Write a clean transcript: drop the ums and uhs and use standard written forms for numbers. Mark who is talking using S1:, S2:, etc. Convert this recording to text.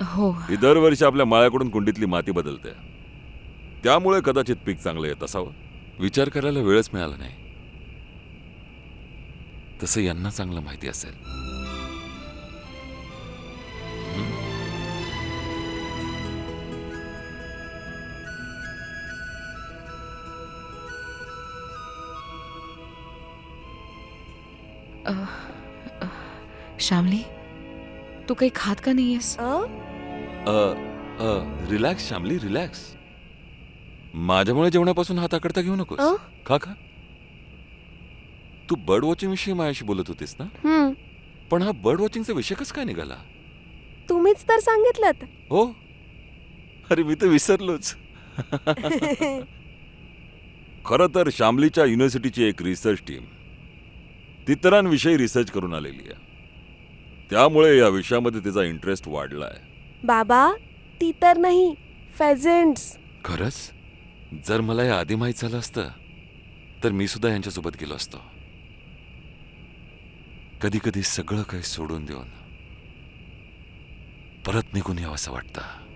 S1: हो.
S2: ही दरवर्षी आपल्या माळ्याकडून कुंडीतली माती बदलते. त्यामुळे कदाचित पीक चांगलं येत असावं. विचार करायला वेळच मिळाला नाही. तसं यांना चांगलं माहिती असेल.
S1: श्यामली, तू काही खात का नाहीयेस?
S2: Relax Shyamali, relax. माझ्यामुळे जेवणापासून हात आकडता घेऊ नकोस. खा खा. तू बर्ड वॉचिंग विषयी माझ्याशी बोलत होतीस ना? पण हा बर्ड वॉचिंगचा विषय कसा काय निघाला?
S3: तुम्हीच तर सांगितलं.
S2: हो, अरे मी तर विसरलोच. खरं तर शामलीच्या युनिव्हर्सिटीची एक रिसर्च टीम तितरांविषयी रिसर्च करून आलेली आहे. त्यामुळे या विषयामध्ये तिचा इंटरेस्ट वाढलाय.
S3: बाबा, ती तर नाही, फेझेंट्स.
S2: खरंच? जर मला या आधी माहीत झालं असतं तर मी सुद्धा यांच्यासोबत गेलो असतो. कधी कधी सगळं काही सोडून देऊन परत निघून यावं असं वाटतं.